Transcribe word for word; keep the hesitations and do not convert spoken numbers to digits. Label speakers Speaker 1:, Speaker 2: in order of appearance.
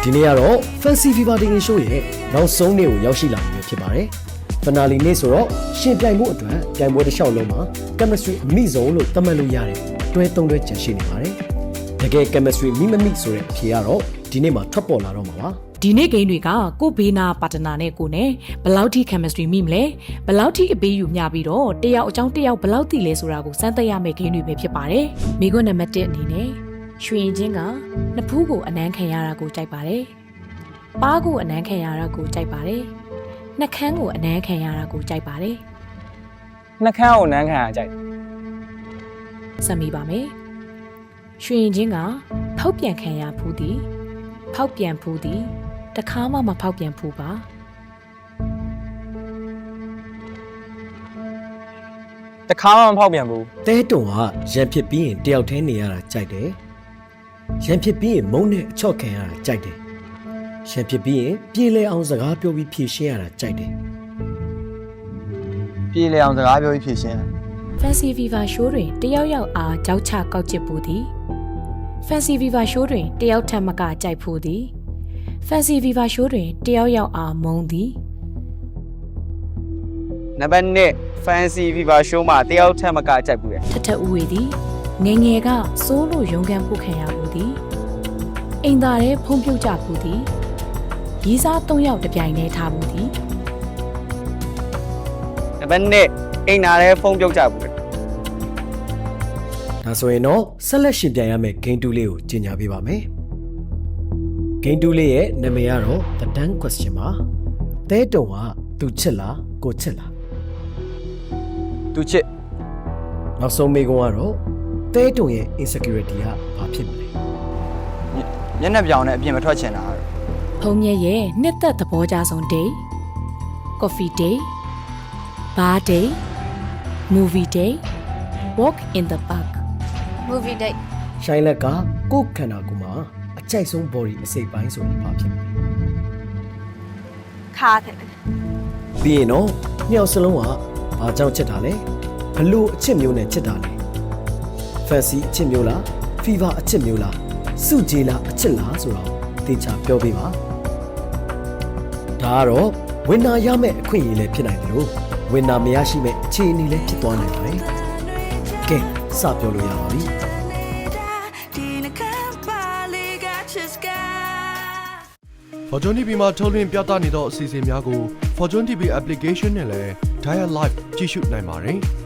Speaker 1: ဒီနေ့ကတော့ Fancy Fever တင်ရင်ရှိုးရဲ့နောက်ဆုံးနေ့ကိုရောက်ရှိလာပြီဖြစ်ပါတယ်။ Finale နေ့ဆိုတော့ရှင်ပြိုင်မှုအတွက်ပြိုင်ပွဲတစ်လျှောက်လုံးမှာ chemistry အမိဆုံးလို့သတ်မှတ်လို့ရတယ်။တွဲသုံးတွဲကျန်ရှိနေပါတယ်။တကယ် chemistry မိမမိဆိုတဲ့အဖြေကတော့ဒီနေ့မှာထွက်ပေါ်လာတော့မှာပါ။
Speaker 2: ဒီနေ့ဂိမ်းတွေကကိုဘေးနာပါတနာနဲ့ကိုနဲ့ဘယ်လောက်ထိ chemistry မိမလဲဘယ်လောက်ထိအပေးယူမျှပြီးတော့တယောက်အကြောင်းတယောက်ဘယ်လောက်ထိလဲဆိုတာကိုစမ်းသပ်ရမယ့်ဂိမ်းတွေပဲဖြစ်ပါတယ်။မိခွန်းနံပါတ်တစ်အနေနဲ့ရွှေရင်ချင်းကနှစ်ဖူးကိုအနမ်းခံရတာကိုကြိုက်ပါတယ်။ပါးကိုအနမ်းခံရတာကိုကြိုက်ပါတယ်။နှက်ခမ်းကိုအနမ်းခံရတာကိုကြိုက်ပါတယ်
Speaker 3: ။နှက်ခမ်းကိုအနမ်းခံရကြိုက်
Speaker 2: ။စမ်းမိပါမယ်။ရွှေရင်ချင်းကဖောက်ပြန်ခံရဖူးသည်ဖောက်ပြန်ဖူးသည်တခါမှမဖောက်ပြန်ဖူးပါ
Speaker 3: တခါမှမဖောက်ပြန်ဘူး
Speaker 1: တဲတုံကရံဖြစ်ပြီးရင်တယောက်တည်းနေရတာကြိုက်တယ်ရံဖြစ်ပြီးရင်မုန်းနဲ့အချော့ခံရတာကြိုက်တယ်ရံဖြစ်ပြီးရင်ပြေးလဲအောင်စကားပြောပြီးဖြေရှင်းရတာကြိုက်တယ်
Speaker 3: ပြေးလဲအောင်စကားပြောပြီးဖြေရှင်း
Speaker 2: Fancy Fever Show တွင်တယောက်ယောက်အားကြောက်ချကောက်ချစ်ပူသည် Fancy Fever Show တွင်တယောက်ထက်မကကြိုက်ဖူးသည်Fancy Fever Show တွင်တယောက်ယောက်အားမုန်းသည်
Speaker 3: နံပါတ်နှစ် Fancy Fever Show မှာတယောက်ထက်မကကြိုက်ဘူးလေ
Speaker 2: ထထဦးဝေသည်ငယ်ငယ်ကစိုးလို့ရုံကန်ပုတ်ခံရဘူးသည်အိမ်သားရဲဖုံးပြုတ်ကြဘူးသည်ရီးစားသုံးယောက်တပြိုင်တည်းထားဘူးသည်
Speaker 3: နံပါတ်နှစ်အိမ်သားရဲဖုံးပြုတ်ကြဘူးလေ
Speaker 1: ဒါဆိုရင်တော့ဆက်လက်ရှင်ပြိုင်ရမယ့် Game တူလေးကိုကြီးညာပေးပါမယ်Game တူလေးရဲ့နာမည်ကတော့ The Dance Question ပါတဲတုံကသူချစ်လားကိုချစ်လား
Speaker 3: သူချစ်
Speaker 1: နောက်ဆုံးမေးခွန်းကတော့တဲတုံရဲ့ insecurity ကဘာဖြစ်မလဲ
Speaker 3: မျက်နှာပြောင်နဲ့အပြင်မထွက်ချင်တာ
Speaker 2: ဖုံးမြဲရဲ့နှစ်သက်သဘောကြဆုံး day coffee day bar day movie day walk in the park
Speaker 4: movie day
Speaker 1: ရှိုင်းလက်ကကိုယ်ခန္ဓာကိုယ်မှာအကြိုက်ဆုံး body အစိတ်ပိုင်းဆိုရင်ဘာဖြစ်မလဲ
Speaker 4: ခါတယ်
Speaker 1: ပြီးရင်တော့မြောက်စလုံးကဘာကြောင့်ချစ်တာလဲဘလို့အချစ်မျိုးနဲ့ချစ်တာလဲ fancy အချစ်မျိုးလား fever အချစ်မျိုးလားစုကြည်လားအချစ်လားဆိုတော့သေချာပြောပေးပါဒါကတော့ဝင်နာရမယ့်အခွင့်အရေးလည်းဖြစ်နိုင်တယ်လို့ဝင်နာမရရှိမဲ့အခြေအနေလည်းဖြစ်သွားနိုင်ပါတယ်ကဲစပြောလို့ရပါပြီ
Speaker 5: Fortune တီ ဗီ မှာထုတ်လွှင့်ပြသနေသောအစီအစဉ်များကို Fortune တီ ဗီ application နဲ့လည်း Dial Live ကြည့်ရှုနိုင်ပါတယ်။